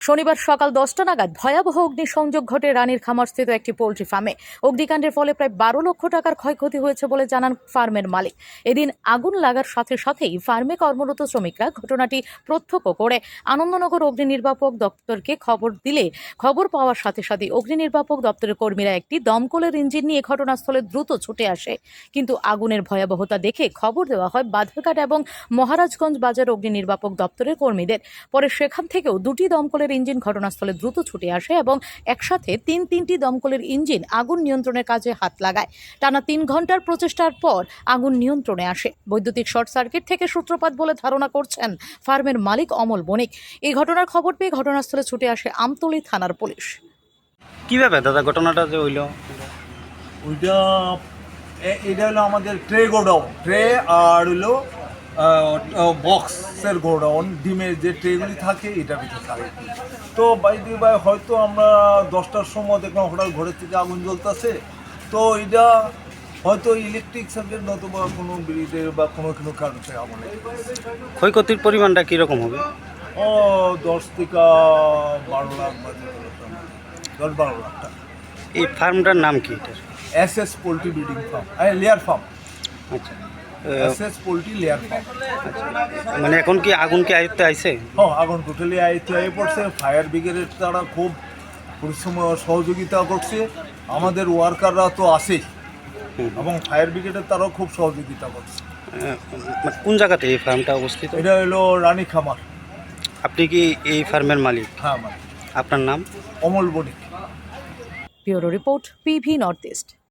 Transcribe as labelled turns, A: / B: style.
A: শনিবার সকাল 10টা নাগাদ ভয়াবহ অগ্নিসংযোগ ঘটে রানীর খামারস্থিত একটি পোল্ট্রি ফার্মে। অগ্নিকাণ্ডের ফলে প্রায় 12 লক্ষ টাকার ক্ষয়ক্ষতি হয়েছে বলে জানান ফার্মের মালিক। এদিন আগুন লাগার সাথে সাথেই ফার্মে কর্মরত শ্রমিকরা ঘটনাটি প্রত্যক্ষ করে আনন্দনগর অগ্নি নির্বাপক দপ্তরকে খবর দিলে খবর পাওয়ার সাথে সাথে অগ্নি নির্বাপক দপ্তরের কর্মীরা একটি দমকলের ইঞ্জিন নিয়ে ঘটনাস্থলে দ্রুত ছুটে আসে। কিন্তু আগুনের ভয়াবহতা দেখে খবর দেওয়া হয় বাধারঘাট এবং মহারাজগঞ্জ বাজার অগ্নি নির্বাপক দপ্তরের কর্মীদের। পরে সেখান থেকেও দুটি দমকলের ইঞ্জিন ঘটনাস্থলে দ্রুত ছুটে আসে এবং একসাথে তিনটি দমকলের ইঞ্জিন আগুন নিয়ন্ত্রণের কাজে হাত লাগায়। টানা 3 ঘন্টার প্রচেষ্টার পর আগুন নিয়ন্ত্রণে আসে। বৈদ্যুতিক শর্ট সার্কিট থেকে সূত্রপাত বলে ধারণা করছেন ফার্মের মালিক অমল বণিক। এই ঘটনার খবর পেয়ে ঘটনাস্থলে ছুটে আসে আমতলী থানার পুলিশ।
B: কিভাবে দাদা ঘটনাটা যে হইল?
C: এটা হলো আমাদের ট্রে গোডাউন, ট্রে আর হলো বক্সের গোডাউন, ডিমের যে ট্রেগুলি থাকে এটার ভিতরে থাকে। তো বাই হয়তো আমরা 10টার সময় দেখলাম হঠাৎ ঘরের থেকে আগুন জ্বলতেছে। তো এটা হয়তো ইলেকট্রিক সার্কিট নতুবা কোনো ব্রিজের বা কোনো কারণ থেকে আগুন লেগেছে।
B: ক্ষয়ক্ষতির পরিমাণটা কীরকম হবে?
C: 10 থেকে 12 লাখ বা 10-12 লাখ টাকা।
B: এই ফার্মটার নাম কি এটার?
C: SS poultry breeding farm, layer farm.
B: আচ্ছা,
C: এসএস পোল্ট্রি লেয়ার ফার্ম।
B: মানে এখন কি আগুন কি আয়ত্তে আইছে?
C: হ্যাঁ, আগুন টোটালি আয়ত্তে হয়ে পড়ছে। ফায়ার ব্রিগেডের তারা খুব পরিশ্রম সহযোগিতা করছে। আমাদের ওয়ার্কাররা তো আছেই এবং ফায়ার ব্রিগেডের তারাও খুব সহযোগিতা করছে।
B: মানে কোন জায়গাতে এই ফার্মটা অবস্থিত?
C: এটা হলো রানী খামার।
B: আপনি কি এই ফার্মের মালিক?
C: হ্যাঁ, মানে
B: আপনার নাম?
C: Amal Banik.
A: Bureau report, PV north east.